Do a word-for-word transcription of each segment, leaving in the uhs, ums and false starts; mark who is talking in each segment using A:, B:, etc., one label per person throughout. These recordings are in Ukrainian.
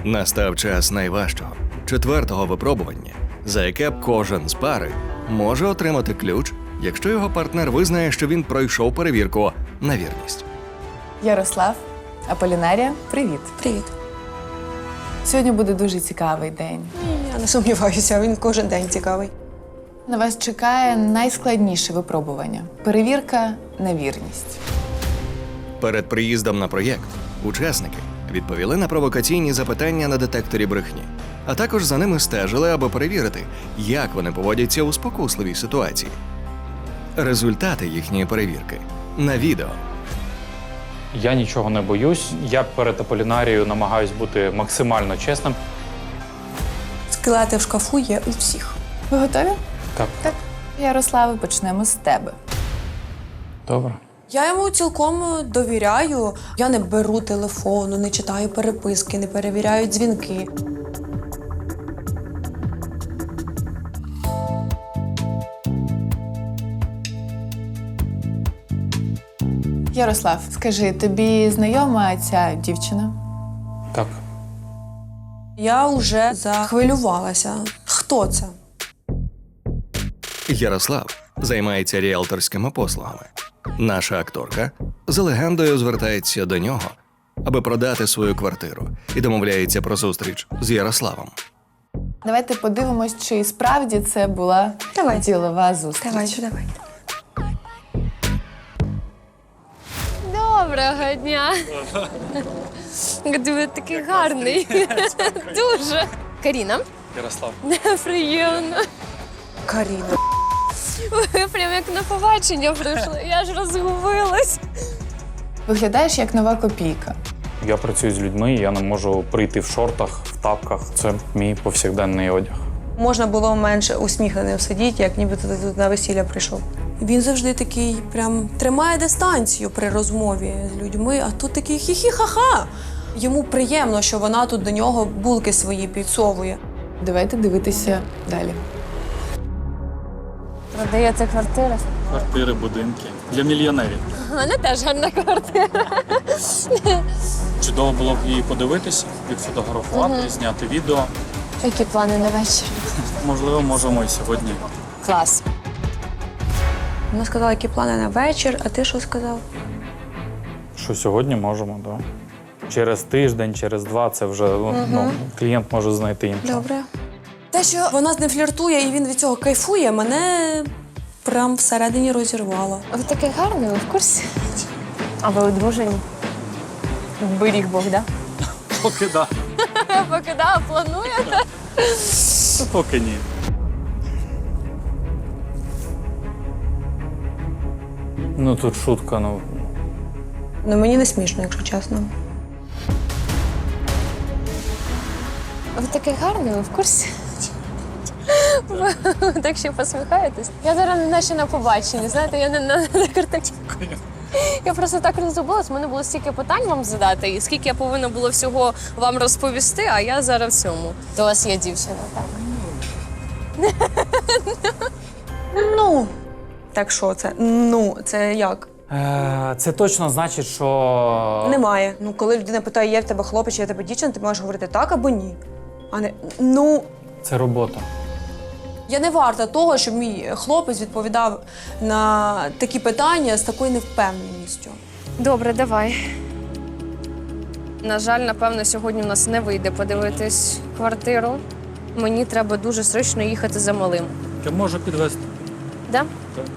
A: Настав час найважчого, четвертого випробування, за яке кожен з пари може отримати ключ, якщо його партнер визнає, що він пройшов перевірку на вірність.
B: Ярослав, Аполінарія, привіт.
C: Привіт.
B: Сьогодні буде дуже цікавий день.
C: Я не сумніваюся, він кожен день цікавий.
B: На вас чекає найскладніше випробування – перевірка на вірність.
A: Перед приїздом на проєкт учасники відповіли на провокаційні запитання на детекторі брехні, а також за ними стежили, аби перевірити, як вони поводяться у спокусливій ситуації. Результати їхньої перевірки на відео.
D: Я нічого не боюсь. Я перед Аполінарією намагаюсь бути максимально чесним.
C: Скелети в шкафу є у всіх.
B: Ви готові?
D: Так.
B: Так. Ярославе, почнемо з тебе.
D: Добре.
C: Я йому цілком довіряю. Я не беру телефону, не читаю переписки, не перевіряю дзвінки.
B: Ярослав, скажи, тобі знайома ця дівчина?
D: Так.
C: Я вже захвилювалася. Хто це?
A: Ярослав займається ріелторськими послугами. Наша акторка за легендою звертається до нього, аби продати свою квартиру, і домовляється про зустріч з Ярославом.
B: Давайте подивимось, чи справді це була
C: Давай.
B: ділова зустріч.
C: Давайте, давайте.
E: Доброго дня. Ви такий гарний. Дуже. Каріна.
D: Ярослав.
E: Приємно.
C: Каріна.
E: Ви прям як на побачення прийшли. Я ж розгубилась.
B: Виглядаєш як нова копійка.
D: Я працюю з людьми, і я не можу прийти в шортах, в тапках. Це мій повсякденний одяг.
C: Можна було менше усміхненим сидіти, як ніби ти тут на весілля прийшов. Він завжди такий прям тримає дистанцію при розмові з людьми, а тут такий хі-хі-ха-ха. Йому приємно, що вона тут до нього булки свої підсовує.
B: Давайте дивитися далі.
E: Продається квартира.
F: Квартири, будинки. Для мільйонерів.
E: У мене теж гарна квартира.
F: Чудово було б її подивитися, відфотографувати, зняти відео.
E: Які плани на вечір?
F: Можливо, можемо і сьогодні.
E: Клас.
C: Вона сказала, які плани на вечір, а ти що сказав?
D: Що сьогодні можемо, так. Да. Через тиждень, через два це вже ну, клієнт може знайти іншого.
C: Добре. Те, що вона з ним фліртує і він від цього кайфує, мене прям всередині розірвало.
E: Ви такий гарний, ви в курсі? А ви одружені? Беріг Бог, да?
F: Поки да.
E: Поки да, плануєте?
F: То поки ні.
D: Ну тут шутка, ну.
C: Ну мені не смішно, якщо чесно.
E: Ви такий гарний, ви в курсі? Ви так ще посміхаєтесь. Я зараз наче на побаченні, знаєте, я не на, на картинці. Я просто так розгубилась, в мене було стільки питань вам задати, і скільки я повинна було всього вам розповісти, а я зараз в цьому. То у вас є дівчина, так?
C: Ну, так що це? Ну, це як?
D: Е, це точно значить, що.
C: Немає. Ну, коли людина питає, є в тебе хлопець, чи є в тебе дівчина, ти можеш говорити так або ні. А не ну.
D: Це робота.
C: Я не варта того, щоб мій хлопець відповідав на такі питання з такою невпевненістю.
E: Добре, давай. На жаль, напевно, сьогодні в нас не вийде подивитись квартиру. Мені треба дуже срочно їхати за малим.
F: Я можу підвезти.
E: Да?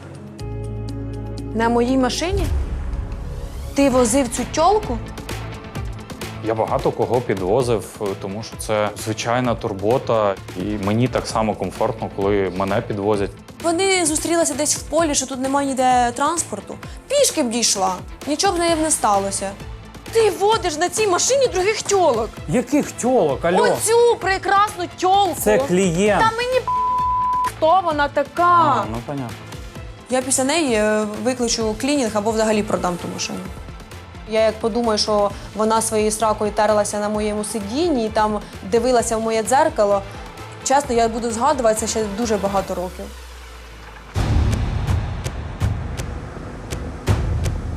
C: На моїй машині? Ти возив цю тьолку?
D: Я багато кого підвозив, тому що це звичайна турбота, і мені так само комфортно, коли мене підвозять.
C: Вони зустрілися десь в полі, що тут немає ніде транспорту. Пішки б дійшла, нічого б неї б не сталося. Ти водиш на цій машині других тьолок.
D: Яких тьолок, алло?
C: Оцю прекрасну тьолку.
D: Це клієнт.
C: Та мені хто вона така.
D: А, ну понятно.
C: Я після неї е, викличу клінінг або взагалі продам ту машину. Я як подумаю, що вона своєю сракою терлася на моєму сидінні і там дивилася в моє дзеркало, чесно, я буду згадувати це ще дуже багато років.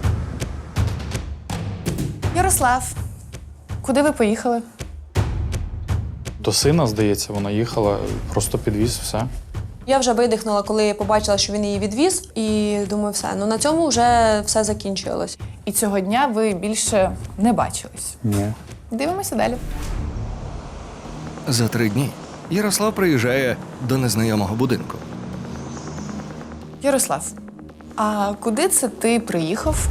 B: Ярослав, куди ви поїхали?
D: До сина, здається, вона їхала, просто підвіз все.
C: Я вже видихнула, коли побачила, що він її відвіз, і думаю, все, ну на цьому вже все закінчилось.
B: І цього дня ви більше не бачились.
D: Ні.
B: Дивимося далі.
A: За три дні Ярослав приїжджає до незнайомого будинку.
B: Ярослав, а куди це ти приїхав?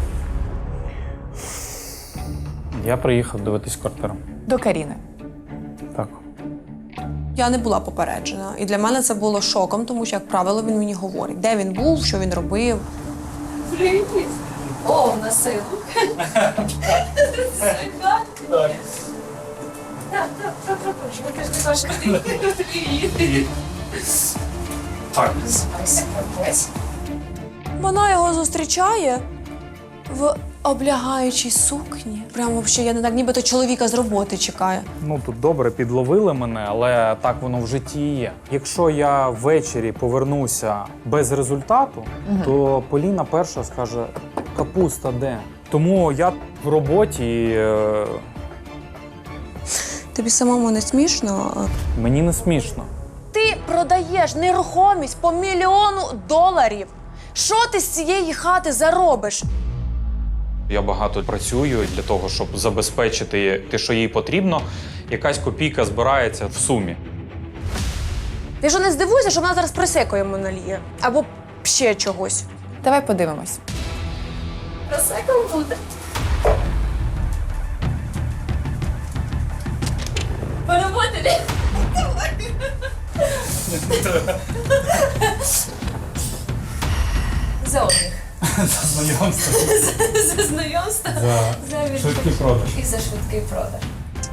D: Я приїхав дивитись квартиру.
B: До Каріни.
D: Так.
C: Я не була попереджена. І для мене це було шоком, тому що, як правило, він мені говорить, де він був, що він робив.
E: О, на силу.
D: Так.
C: Вона його зустрічає в облягаючій сукні. Прямо взагалі, я не так, нібито чоловіка з роботи чекає.
D: Ну тут добре підловили мене, але так воно в житті і є. Якщо я ввечері повернуся без результату, то Поліна перша скаже: капуста де? Тому я в роботі, і, е,
C: Тобі самому не смішно?
D: мені не смішно.
C: Ти продаєш нерухомість по мільйону доларів. Що ти з цієї хати заробиш?
D: Я багато працюю для того, щоб забезпечити те, що їй потрібно. Якась копійка збирається в сумі.
C: Ти що не здивуйся, що вона зараз просеко йому наліє? Або ще чогось.
B: Давай подивимось.
E: Просеком буде. Поработали. За отдых.
D: За знайомство.
E: За знайомство.
D: За швидкий продаж.
E: І за швидкий продаж.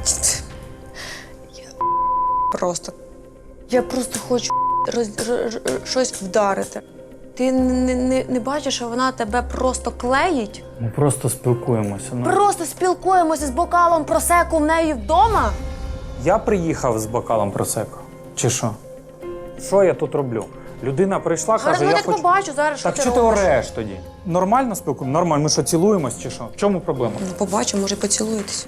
C: Просто. Я просто хочу роз, р- р- щось вдарити. Ти не, не, не бачиш, що вона тебе просто клеїть?
D: Ми просто спілкуємося. Ну.
C: Просто спілкуємося з бокалом просеку в неї вдома?
D: Я приїхав з бокалом просеко. Чи що? Що я тут роблю? Людина прийшла,
C: Зараз
D: каже,
C: я
D: я
C: так
D: хочу...
C: побачу зараз, що
D: Так
C: ти
D: що ти
C: робиш.
D: ореш тоді? Нормально спілкуємося? Нормально. Ми що, цілуємось чи що? В чому проблема?
C: Ну, побачу, може, поцілуєтесь.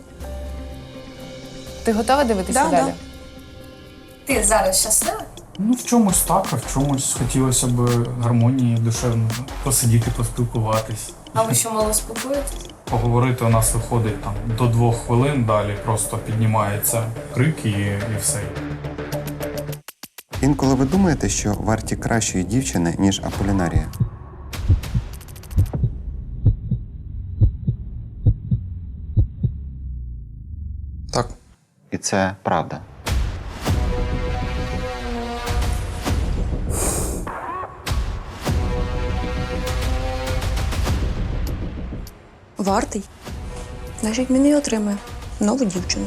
B: Ти готова дивитися
C: Да,
B: далі?
C: да.
E: Ти зараз щаслива?
G: Ну, в чомусь так, а в чомусь хотілося б гармонії душевно посидіти, поспілкуватись.
E: А ви що, мало спілкуєтесь?
G: Поговорити у нас виходить там до двох хвилин, далі просто піднімається крик і, і все.
H: Інколи ви думаєте, що варті кращої дівчини, ніж Аполінарія?
D: Так.
H: І це правда.
C: Вартий. Значить, він і отримає нову дівчину.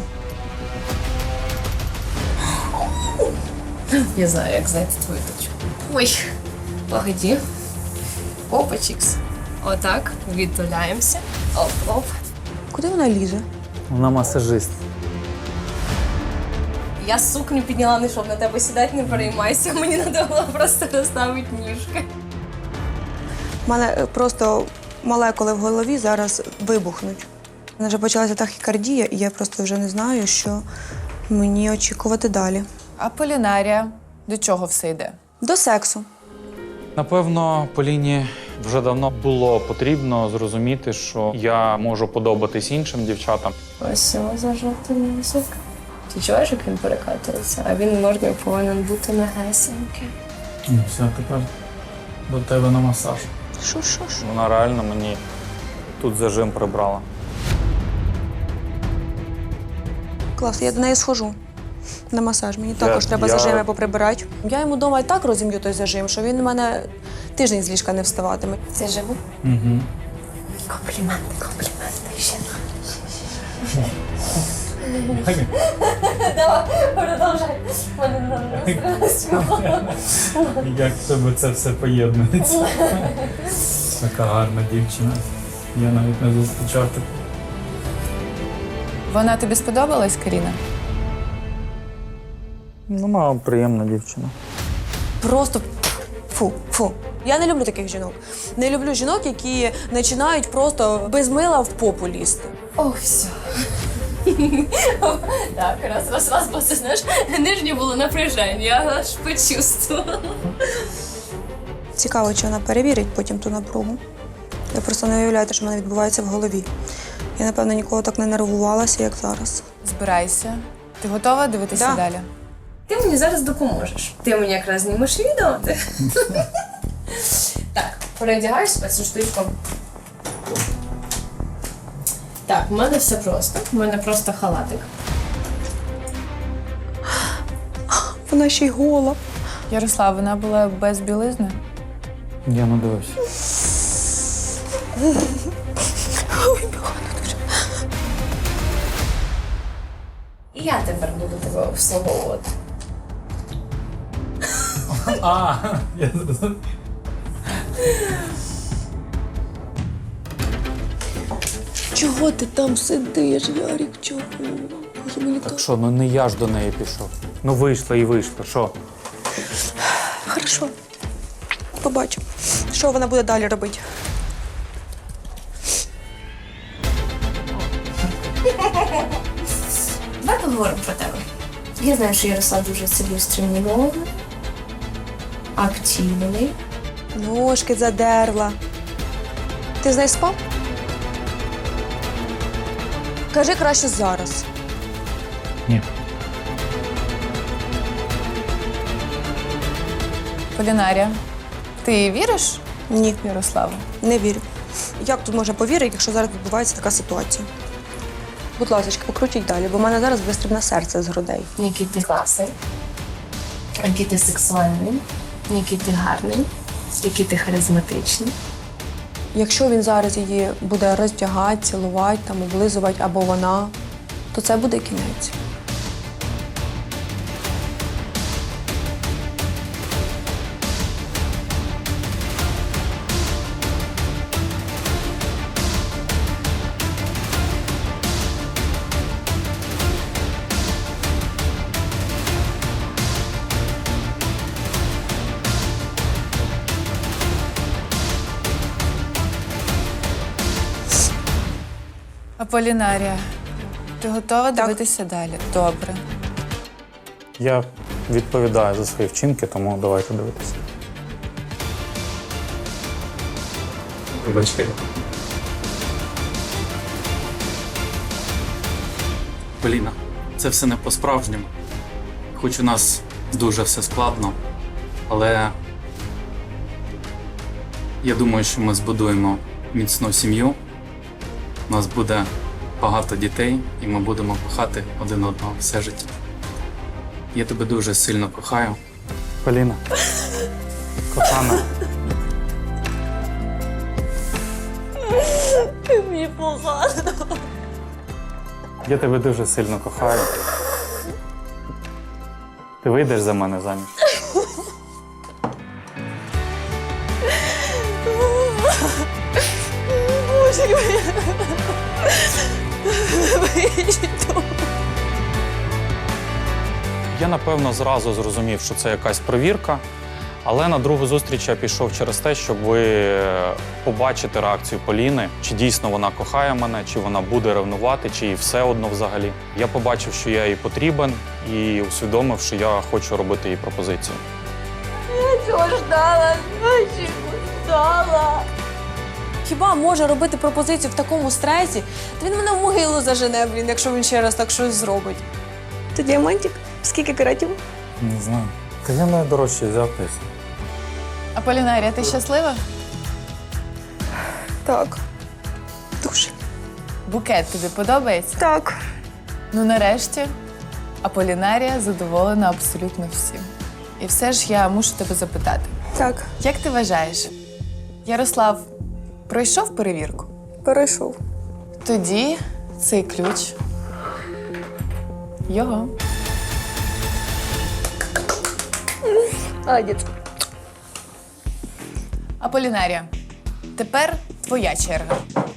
E: Я знаю, як знайти твою точку. Ой, погоді. Опачікс. Отак, відтуляємося. Оп-оп.
C: Куди вона лізе?
D: Вона масажист.
E: Я сукню підняла, не щоб на тебе сідати, не переймайся. Мені треба було просто розставити ніжки.
C: У мене е, просто молекули в голові зараз вибухнуть. У мене вже почалася тахікардія, і я просто вже не знаю, що мені очікувати далі.
B: Аполінарія. До чого все йде?
C: До сексу.
D: Напевно, Поліні вже давно було потрібно зрозуміти, що я можу подобатись іншим дівчатам.
E: Ось його зажовтий язик. Ти чуєш, як він перекатується? А він можна повинен бути м'ягесенький.
G: Ну, все, тепер до тебе на масаж.
C: Що, що, що?
D: Вона реально мені тут зажим прибрала.
C: Клас, я до неї схожу на масаж. Мені
D: Я-
C: також треба
D: я-
C: зажими поприбирати. Я йому вдома і так розім'ю той зажим, що він у мене тиждень з ліжка не вставатиме.
E: Це живу?
G: Угу.
E: Компліменти, компліменти. Ще. Продовжай.
G: Як в тебе це все поєднується? Така гарна дівчина. Я навіть не зустрічав таку.
B: Вона тобі сподобалась, Каріна?
D: Ну, вона приємна дівчина.
C: Просто фу, фу. Я не люблю таких жінок. Не люблю жінок, які починають просто без мила в попу лізти.
E: О, все. Так, раз, раз, раз, бо це, знаєш, нижнє було напряження, я аж почувствувала.
C: Цікаво, чи вона перевірить потім ту напругу. Я просто не уявляю, що в мене відбувається в голові. Я, напевно, ніколи так не нервувалася, як зараз.
B: Збирайся. Ти готова дивитися
C: Да.
B: далі?
E: Ти мені зараз допоможеш. Ти мені якраз знімеш відео. Ти... Так, переодягайся цю штучку. Так, в мене все просто. У мене просто халатик.
C: Вона ще й гола.
B: Ярослав, вона була без білизни?
D: Я не дивився.
E: І я тепер буду тебе обслуговувати.
G: А, я зрозумів.
C: Чого ти там сидиш, Ярик? Чого? Боже, мені
D: Так що, ну не я ж до неї пішов. Ну вийшла і вийшла, що?
C: Хорошо. Побачимо, що вона буде далі робити.
E: Давай поговоримо про тебе. Я знаю, що Ярослав дуже цілеустремований, активний.
C: Ножки задерла. Ти з нею спав? Кажи краще зараз.
D: Ні.
B: Полінарія, ти віриш
C: Ні,
B: Ярославу?
C: не вірю. Як тут можна повірити, якщо зараз відбувається така ситуація? Будь ласка, покрутіть далі, бо в мене зараз вистрибне серце з грудей.
E: Який ти класний, який ти сексуальний, який ти гарний, який ти харизматичний.
C: Якщо він зараз її буде роздягати, цілувати, там, облизувати або вона, то це буде кінець.
B: Аполінарія, ти готова дивитися далі? Добре.
D: Я відповідаю за свої вчинки, тому давайте дивитися.
F: Вибачте. Поліна, це все не по-справжньому. Хоч у нас дуже все складно, але я думаю, що ми збудуємо міцну сім'ю. У нас буде багато дітей, і ми будемо кохати один одного все життя. Я тебе дуже сильно кохаю.
D: Поліна. Кохана.
C: Мені погано.
D: Я тебе дуже сильно кохаю. Ти вийдеш за мене заміж?
C: Боже,
D: Я, напевно, зразу зрозумів, що це якась перевірка, але на другу зустріч я пішов через те, щоб ви побачити реакцію Поліни, чи дійсно вона кохає мене, чи вона буде ревнувати, чи їй все одно взагалі. Я побачив, що я їй потрібен, і усвідомив, що я хочу робити їй пропозицію.
C: цього ждала, чого ждала. Хіба може робити пропозицію в такому стресі? Та він мене в могилу зажене, блін, якщо він ще раз так щось зробить. Це діамантик? Скільки каратів?
D: Не знаю. Та я найдорожче взяв десь.
B: Аполінарія, ти щаслива?
C: Так. Дуже.
B: Букет тобі подобається?
C: Так.
B: Ну, нарешті, Аполінарія задоволена абсолютно всім. І все ж я мушу тебе запитати.
C: Так.
B: Як ти вважаєш, Ярослав пройшов перевірку?
C: Перейшов.
B: Тоді цей ключ його.
C: Молодець.
B: Аполінарія, тепер твоя черга.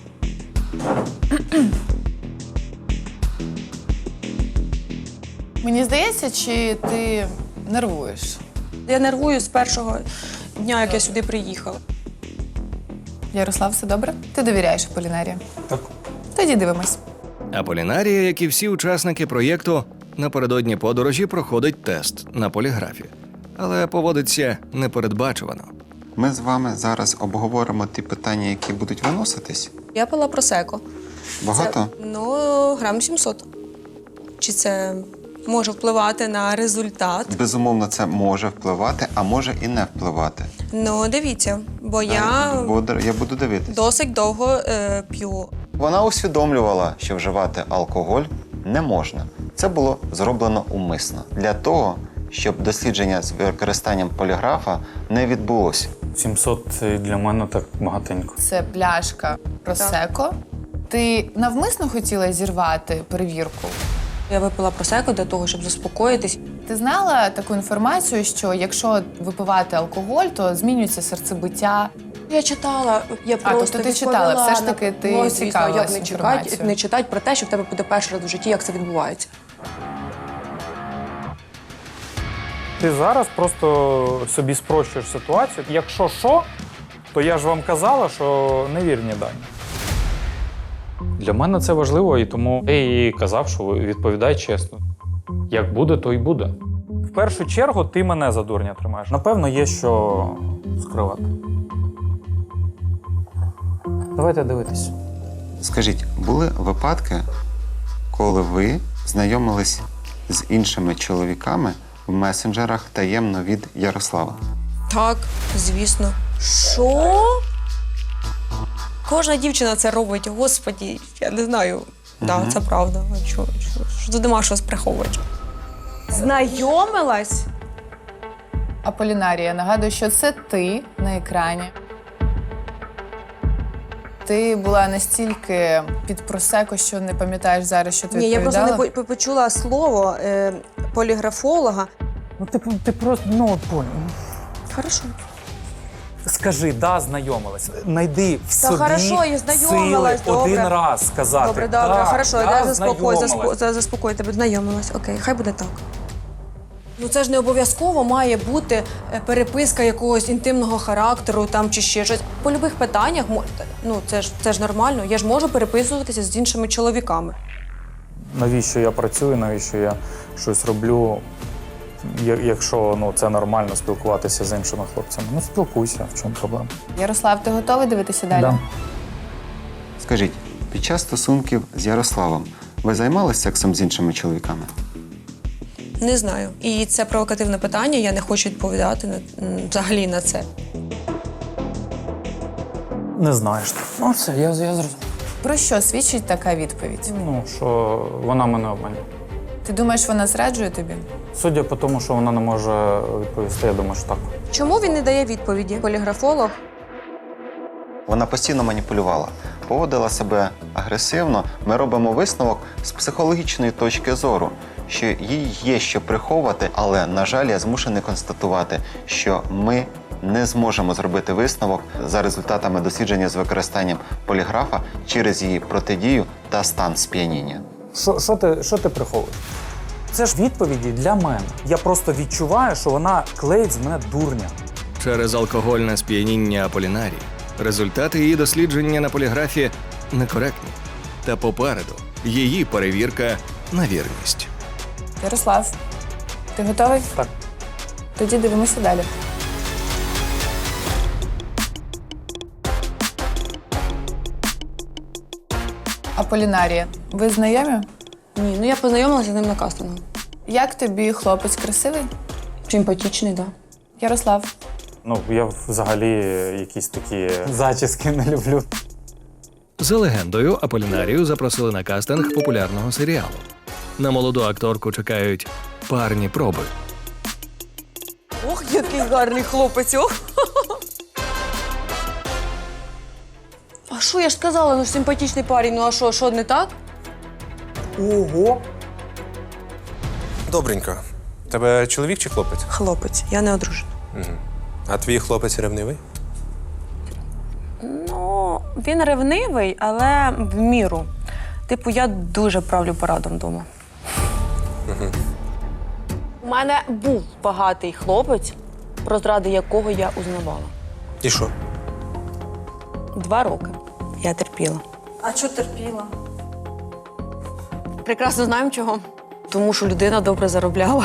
B: Мені здається, чи ти нервуєш?
C: Я нервую з першого дня, як я сюди приїхала.
B: Ярослав, все добре? Ти довіряєш Аполінарії?
D: Так.
B: Тоді дивимось.
A: Аполінарія, як і всі учасники проєкту, напередодні подорожі проходить тест на поліграфі, але поводиться непередбачувано.
H: Ми з вами зараз обговоримо ті питання, які будуть виноситись.
C: Я пила просеко.
H: Багато?
C: Це, ну, грам сімсот. Чи це може впливати на результат?
H: Безумовно, це може впливати, а може і не впливати.
C: Ну, дивіться, бо я
H: Буду- я буду дивитись.
C: досить довго е, п'ю.
H: Вона усвідомлювала, що вживати алкоголь не можна. Це було зроблено умисно. Для того, щоб дослідження з використанням поліграфа не відбулося.
D: сімсот для мене так багатенько.
B: Це пляшка просеко. Ти навмисно хотіла зірвати перевірку?
C: Я випила просеко для того, щоб заспокоїтись.
B: Ти знала таку інформацію, що якщо випивати алкоголь, то змінюється серцебиття?
C: Я читала, я
B: А,
C: просто
B: тобто ти читала,
C: відповіла
B: все ж
C: на-
B: таки ти
C: Ну, звісно,
B: цікавилась
C: як не читати,
B: інформацією.
C: не читати про те, що в тебе буде перший раз в житті, як це відбувається.
D: Ти зараз просто собі спрощуєш ситуацію. Якщо що, то я ж вам казала, що невірні дані. Для мене це важливо, і тому я їй казав, що відповідай чесно. Як буде, то й буде. В першу чергу ти мене за дурня тримаєш. Напевно, є що скривати. Давайте дивитись.
H: Скажіть, були випадки, коли ви знайомились з іншими чоловіками в месенджерах таємно від Ярослава?
C: Так, звісно. Що? Кожна дівчина це робить, господі, я не знаю. Так, да, це правда. А що, що, що тут нема що приховувати? Знайомилась?
B: Аполінарія, нагадую, що це ти на екрані. Ти була настільки під просеко, що не пам'ятаєш зараз, що ти
C: Ні, я просто
B: відповідала?
C: не по- почула слово е, поліграфолога.
D: Ну ти, ти просто ну понял.
C: Хорошо.
D: Скажи, да, знайомилась. Найди в
C: Та
D: собі
C: хорошо, я знайомилась,
D: сили один
C: добре.
D: раз сказати.
C: Добре, добре,
D: «Так,
C: хорошо,
D: да,
C: я заспокою,
D: знайомилась».
C: заспо, за- заспокою тебе, знайомилась. Окей, хай буде так. Ну це ж не обов'язково має бути е, переписка якогось інтимного характеру там чи ще щось. По любих питаннях, мо- ну це ж це ж нормально. Я ж можу переписуватися з іншими чоловіками.
D: Навіщо я працюю, навіщо я щось роблю, я- якщо ну, це нормально спілкуватися з іншими хлопцями. Ну, спілкуйся, в чому проблема.
B: Ярослав, ти готовий дивитися далі?
D: Да.
H: Скажіть, під час стосунків з Ярославом ви займалися сексом з іншими чоловіками?
C: Не знаю. І це провокативне питання. Я не хочу відповідати на м, взагалі на це.
D: Не знаєш. Ну, все, я, я зрозумів.
B: Про що свідчить така відповідь?
D: Ну, що вона мене обманює.
B: Ти думаєш, вона зраджує тобі?
D: Судя по тому, що вона не може відповісти, я думаю, що так.
C: Чому він не дає відповіді? Поліграфолог.
H: Вона постійно маніпулювала, поводила себе агресивно. Ми робимо висновок з психологічної точки зору, що їй є що приховувати, але, на жаль, я змушений констатувати, що ми не зможемо зробити висновок за результатами дослідження з використанням поліграфа через її протидію та стан сп'яніння.
D: Що, що, ти, що ти приховуєш? Це ж відповіді для мене. Я просто відчуваю, що вона клеїть з мене дурня.
A: Через алкогольне сп'яніння Аполінарії результати її дослідження на поліграфі некоректні. Та попереду її перевірка на вірність.
B: Ярослав, ти готовий?
D: Так.
B: Тоді дивимося далі. Аполінарія, ви знайомі?
C: Ні, ну я познайомилася з ним на кастингу.
B: Як тобі хлопець красивий?
C: Симпатичний, так. Да.
B: Ярослав,
D: Ну, я взагалі якісь такі зачіски не люблю.
A: За легендою, Аполінарію запросили на кастинг популярного серіалу. На молоду акторку чекають парні проби.
C: Ох, який гарний хлопець! Ох. А що я ж сказала? Ну симпатичний парень, ну а що, що не так?
D: Ого!
I: Добренько. Тебе чоловік чи хлопець?
C: Хлопець, я не одружена.
I: А твій хлопець ревнивий?
C: Ну, він ревнивий, але в міру. Типу, я дуже правлю парадом вдома. У мене був багатий хлопець, про зради якого я узнавала.
I: І що?
C: Два роки я терпіла.
J: А що терпіла?
C: Прекрасно знаємо чого. Тому що людина добре заробляла.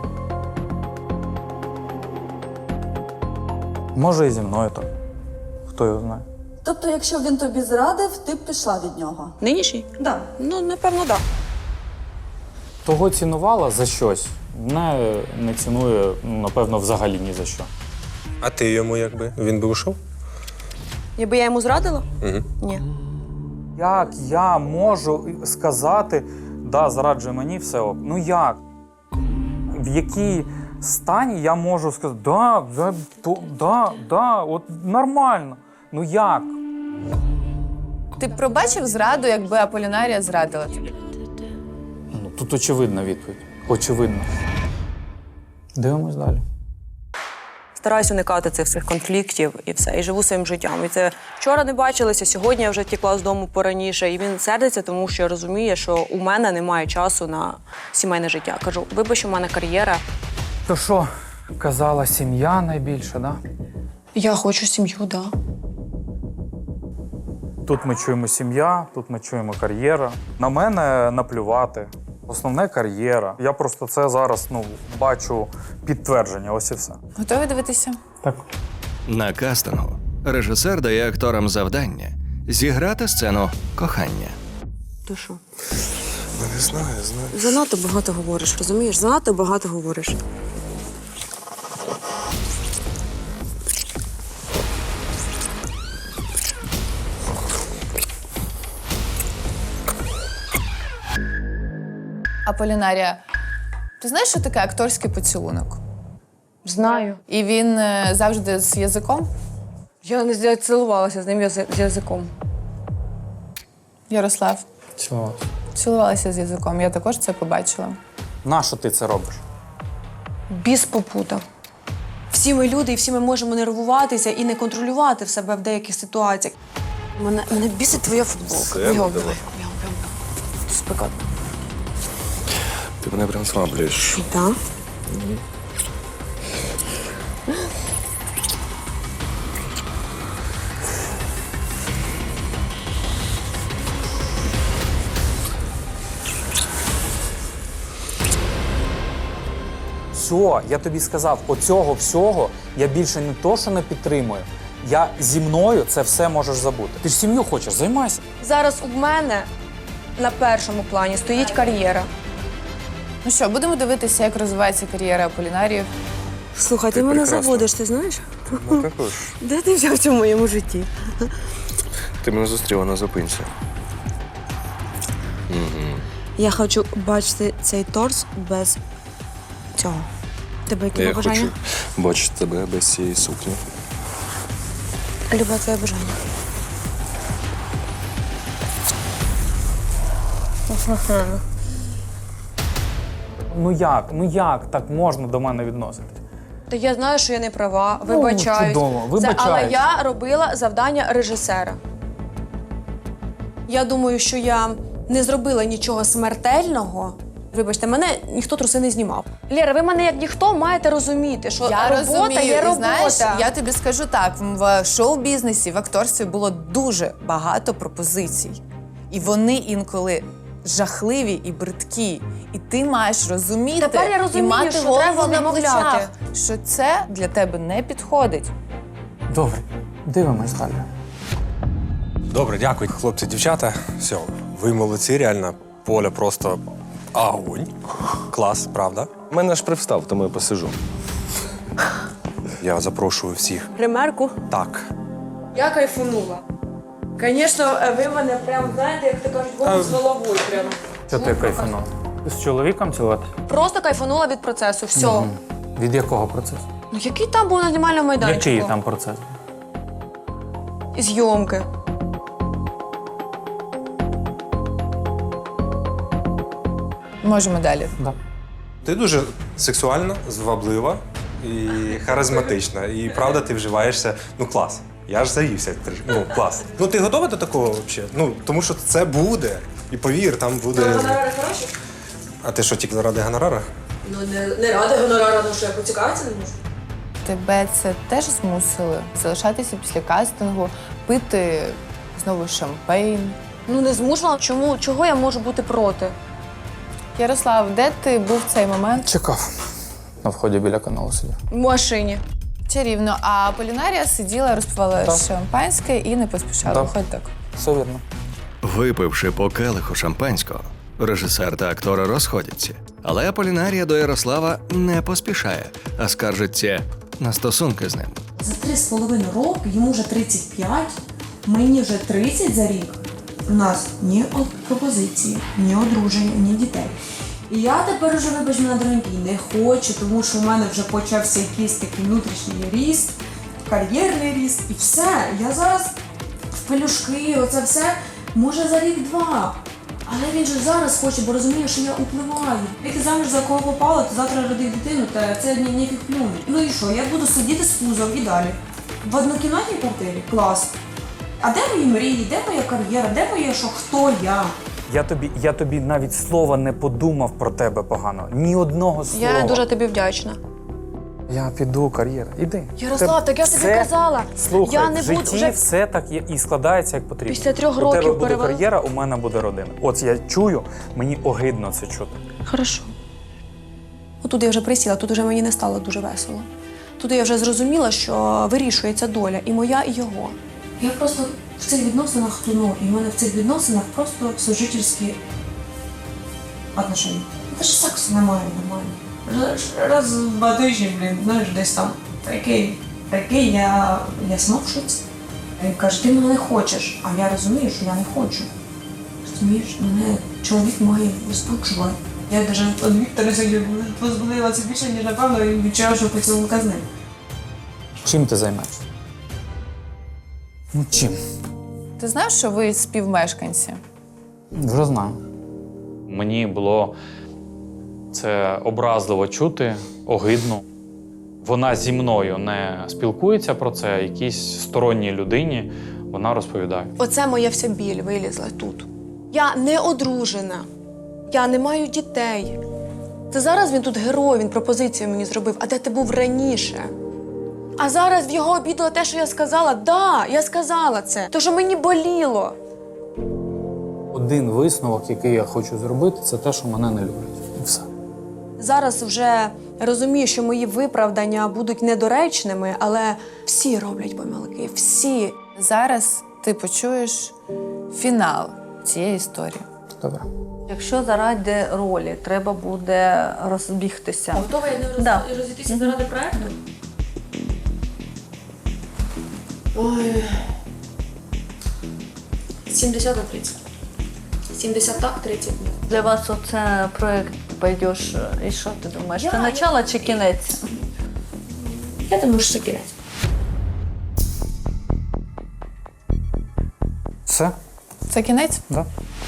D: Може, і зі мною так. Хто його знає?
J: Тобто, якщо він тобі зрадив, ти б пішла від нього?
C: Нинішній?
J: Да.
C: Ну, напевно, так. Да.
D: Того цінувала за щось. Мене не цінує, ну, напевно, взагалі ні за що.
I: А ти йому якби? Він би ушов?
C: Якби я йому зрадила?
I: Угу.
C: Ні.
D: Як я можу сказати, да, зраджує мені, все ок. Ну як? В якій стані я можу сказати, да, да, то, да, да, от нормально. Ну як?
B: Ти б пробачив зраду, якби Аполінарія зрадила тобі?
D: Ну, тут очевидна відповідь. Очевидно. Дивимось далі.
C: Стараюсь уникати цих всіх конфліктів і все, і живу своїм життям. І це вчора не бачилися, сьогодні я вже втекла з дому пораніше. І він сердиться, тому що розуміє, що у мене немає часу на сімейне життя. Кажу, вибач, у мене кар'єра.
D: То що, казала, сім'я найбільше, да?
C: Я хочу сім'ю, так. Да.
D: Тут ми чуємо сім'я, тут ми чуємо кар'єра. На мене наплювати. Основне кар'єра. Я просто це зараз ну, бачу підтвердження, ось і все.
B: Готові дивитися?
D: Так.
A: На кастингу режисер дає акторам завдання зіграти сцену кохання.
C: То що?
I: Не знаю, знаю.
C: Занадто багато говориш, розумієш? Занадто багато говориш.
B: Аполінарія, ти знаєш, що таке акторський поцілунок?
C: Знаю.
B: І він е, завжди з язиком?
C: Я не цілувалася з ним язи- з язиком.
B: Ярослав,
D: Цього.
B: цілувалася з язиком, я також це побачила.
D: Нащо ти це робиш?
C: Біс попутав. Всі ми люди, і всі ми можемо нервуватися і не контролювати в себе в деяких ситуаціях. Мене, мене бісить твоя футболка.
I: Все,
C: Бігом,
I: давай.
C: давай. Бігом, бігом, бігом. Спекотно.
I: Ти мене прям слаблюєш.
C: Так?
D: Все, я тобі сказав, оцього всього я більше не то, що не підтримую. Я зі мною це все можеш забути. Ти ж сім'ю хочеш, займайся.
C: Зараз у мене на першому плані стоїть кар'єра.
B: Ну що, будемо дивитися, як розвивається кар'єра Аполінарії.
C: Слухай, ти,
I: Ти
C: мене
I: прекрасна.
C: заводиш, ти знаєш?
I: Ну також.
C: Де ти взявся в моєму житті?
I: Ти мене зустріла на зупинці.
C: Я хочу бачити цей торс без цього. Тебе які
I: Я
C: бажання?
I: хочу бачити тебе без цієї сукні.
C: Любе твоє бажання.
D: Ну як? Ну як так можна до мене відноситись?
C: Та я знаю, що я не права, вибачаюсь.
D: чудово,
C: Це-
D: вибачаюсь.
C: але я робила завдання режисера. Я думаю, що я не зробила нічого смертельного. Вибачте, мене ніхто труси не знімав. Лєра, ви мене як ніхто маєте розуміти, що
B: Я
C: робота
B: розумію,
C: є
B: і
C: робота.
B: знаєш, я тобі скажу так, в шоу-бізнесі, в акторстві було дуже багато пропозицій. І вони інколи жахливі і бридкі. І ти маєш розуміти
C: Тепер я розумію,
B: і мати
C: що
B: голову
C: треба
B: на
C: відмовляти.
B: плечах, що це для тебе не підходить.
D: Добре, дивимось далі.
I: Добре, дякую, хлопці, дівчата. Все, ви молодці, реально. Поля просто огонь. Клас, правда? У мене ж привстав, тому я посижу. Я запрошую всіх.
C: Ремерку.
I: Так.
C: Я кайфанула. Звісно, ви мене прям, знаєте, як то кажуть, голову з головою прямо.
D: Що ти кайфанув? З чоловіком цілувати?
C: Просто кайфанула від процесу, все.
D: Мгм. Від якого процесу?
C: Ну який там був на знімальному майданчику?
D: Який там процес?
C: Зйомки.
B: Можемо далі.
D: Да.
I: Ти дуже сексуальна, зваблива і харизматична. І правда, ти вживаєшся. Ну клас. Я ж заївся. трішки. Ну, клас. Ну ти готова до такого взагалі? Ну, тому що це буде. І повір, там буде.
C: Гонорари хороші?
I: А ти що, тільки ради гонорара?
C: Ну не, не ради гонорара, ну що я поцікавитися не можу.
B: Тебе це теж змусили залишатися після кастингу, пити знову шампейн.
C: Ну не змушувала. Чому? Чого я можу бути проти?
B: Ярослав, де ти був в цей момент?
D: Чекав. На вході біля каналу сидів.
C: В машині.
B: Чарівно. А Полінарія сиділа, розпивала
D: Так.
B: шампанське і не поспішала.
D: Так.
B: Виходь так.
D: Все вірно.
A: Випивши по келиху шампанського, режисер та актори розходяться. Але Аполінарія до Ярослава не поспішає, а скаржиться на стосунки з ним.
C: За три з половиною роки, йому вже тридцять п'ять, мені вже тридцять за рік. У нас ні пропозиції, ні одруження, ні дітей. І я тепер уже, вибач мене, дорогий, не хочу, тому що в мене вже почався якийсь такий внутрішній ріст, кар'єрний ріст, і все. Я зараз в пелюшки, оце все, може за рік-два. Але він же зараз хоче, бо розуміє, що я впливаю. Як ти заміж за кого попала, то завтра родив дитину, та це ні, ніяких плюнуть. Ну і що, я буду сидіти з пузом і далі. В однокімнатній квартирі? Клас. А де мої мрії, де моя кар'єра, де моє, що, хто я?
D: Я тобі, я тобі навіть слова не подумав про тебе погано. Ні одного слова.
C: Я дуже тобі вдячна.
D: Я піду, кар'єра. Іди.
C: Ярослав, так я тобі
D: Все-
C: казала.
D: Слухай,
C: Я не
D: в
C: буду
D: житті
C: вже-
D: все так є і складається, як потрібно.
C: Після трьох
D: У
C: років
D: тебе буде
C: перевели-
D: кар'єра, у мене буде родина. От я чую, мені огидно це чути.
C: Хорошо. Отут я вже присіла, тут вже мені не стало дуже весело. Тут я вже зрозуміла, що вирішується доля і моя, і його. Я просто в цих відносинах тону, і в мене в цих відносинах просто сожительські отношення. Та ж сексу немає нормально. Раз- Раз в два тижні, блін, знаєш, десь там такий, такий, я, я сама в шоці. Він каже, ти мене не хочеш, а я розумію, що я не хочу. Розумієш, мене чоловік має розпочувати. Я навіть від Віктора сьогодні позбудила це більше, ніж напевно, і відчуваю, що поцілунка з ним.
D: Чим ти займаєшся? Ну чим?
B: Ти знаєш, що ви співмешканці?
D: Вже знаю. Мені було це образливо чути, огидно. Вона зі мною не спілкується про це, якійсь сторонній людині вона розповідає.
C: Оце моя вся біль вилізла тут. Я не одружена, я не маю дітей. Це зараз він тут герой, він пропозицію мені зробив, а де ти був раніше? А зараз в його обідало те, що я сказала. Да, я сказала це, тому що мені боліло.
D: Один висновок, який я хочу зробити, це те, що мене не люблять. І все.
C: Зараз вже розумію, що мої виправдання будуть недоречними, але всі роблять помилки, всі.
B: Зараз ти почуєш фінал цієї історії.
D: Добре.
J: Якщо заради ролі треба буде розбігтися.
C: Готова я не роз...
J: Да.
C: розійтися заради проекту? Ой. сімдесят на тридцять. сімдесят так, тридцять ні.
J: Для вас оце проєкт пойдеш, і що ти думаєш? Це начало чи кінець?
C: Я думаю, що це кінець.
D: Все?
B: Це кінець?
D: Да.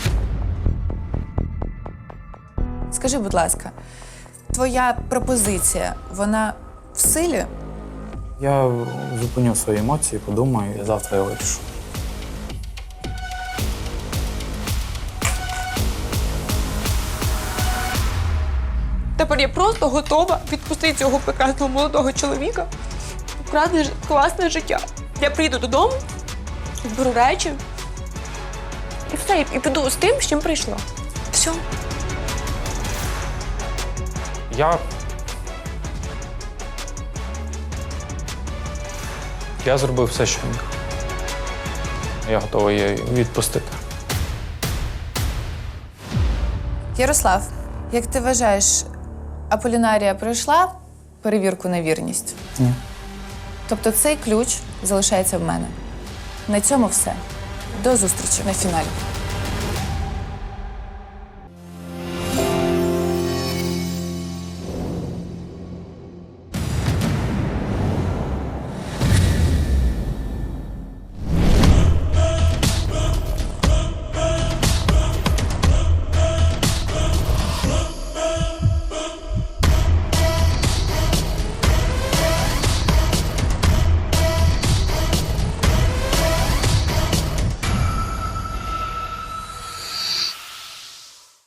B: Скажи, будь ласка, твоя пропозиція, вона в силі?
D: Я зупиню свої емоції, подумаю, і завтра я вирішу.
C: Тепер я просто готова відпустити цього прекрасного молодого чоловіка. Вкрадне ж- класне життя. Я приїду додому, зберу речі і все, і піду з тим, з чим прийшла. Все.
D: Я. Я зробив все, що міг. Я готовий її відпустити.
B: Ярослав, як ти вважаєш, Аполінарія пройшла перевірку на вірність?
D: Ні.
B: Тобто цей ключ залишається в мене. На цьому все. До зустрічі на фіналі.